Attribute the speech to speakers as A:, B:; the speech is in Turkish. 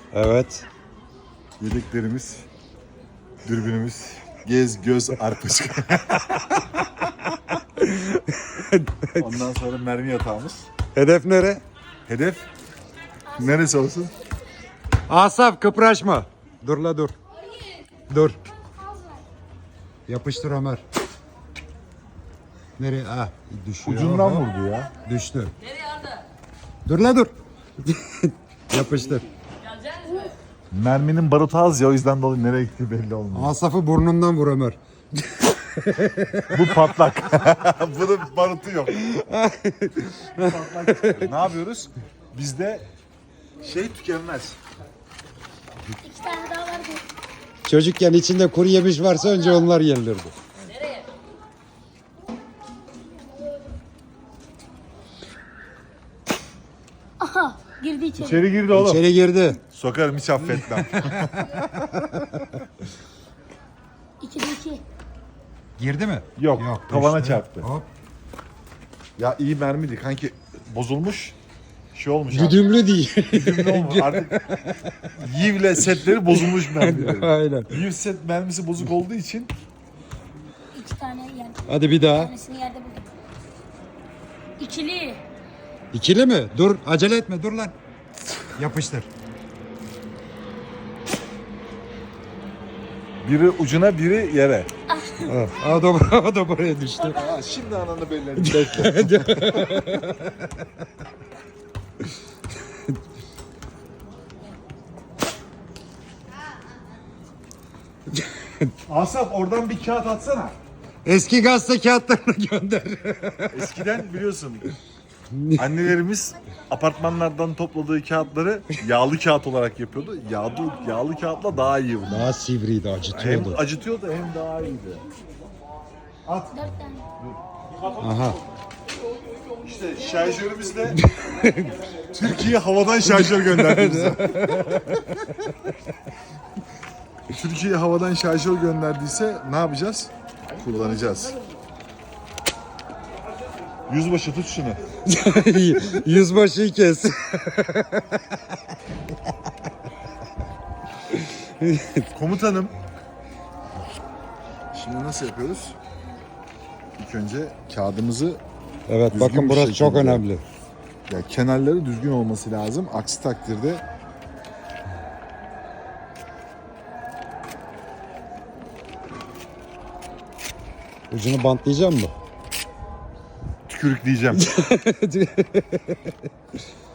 A: Evet.
B: Yedeklerimiz, dürbünümüz, gez, göz, arpacık. Ondan sonra mermi yatağımız.
A: Hedef nere?
B: Hedef neresi olsun?
A: Asaf kıpraşma. Dur la dur. Dur. Yapıştır Ömer. Nereye? Ah düşüyor.
B: Ucundan vurdu ya.
A: Düştü.
C: Nereye Arda?
A: Dur la dur. Yapıştır.
C: Geleceksiniz mi?
B: Merminin barutu az ya, o yüzden dolayı nereye gittiği belli olmuyor.
A: Asaf'ı burnundan vur Ömer.
B: Bu patlak. Bunun barutu yok. Patlak. Ne yapıyoruz? Bizde şey tükenmez.
D: 2 tane daha var.
A: Çocukken içinde kuru yemiş varsa önce onlar yenilirdi.
C: Nereye?
D: Aha girdi içeri.
B: İçeri girdi oğlum.
A: İçeri girdi.
B: Sokarım, hiç affetmem.
D: 2'de 2.
A: Girdi mi?
B: Yok, tavana
A: düştü.
B: çarptı.
A: Hop.
B: Ya iyi mermiydi kanki, bozulmuş. Şey olmuş abi.
A: Güdümlü değil.
B: Güdümlü olmuş. Artık Yiv'le setleri bozulmuş mermileri.
A: Aynen.
B: Yiv set mermisi bozuk olduğu için
D: 2 tane yer.
A: Hadi bir daha.
D: Tanesini yerde buldum. İkili.
A: İkili mi? Dur acele etme dur lan. Yapıştır.
B: biri ucuna, biri yere.
A: O da buraya düştü.
B: Aa, şimdi ananı belirledim. Bekle. Asaf, oradan bir kağıt atsana.
A: Eski gazete kağıtlarını gönder.
B: Eskiden biliyorsun annelerimiz apartmanlardan topladığı kağıtları yağlı kağıt olarak yapıyordu. Yağlı kağıtla daha iyi bunlar.
A: Daha sivriydi,
B: Hem
A: acıtıyordu.
B: acıtıyordu hem daha iyiydi.
D: 4 tane.
A: Aha.
B: İşte şarjörümüzle Türkiye havadan şarjör gönderdi bize. Türkiye havadan şarjör gönderdiyse ne yapacağız? Kullanacağız. Yüzbaşı tut şunu.
A: Yüzbaşıyı kes.
B: Komutanım. Şimdi nasıl yapıyoruz? İlk önce kağıdımızı
A: Evet
B: Düzgün
A: bakın
B: bir
A: burası çok
B: şekilde.
A: önemli.
B: ya kenarları düzgün olması lazım. Aksi takdirde
A: Ucunu bantlayacağım mı?
B: tükürükleyeceğim.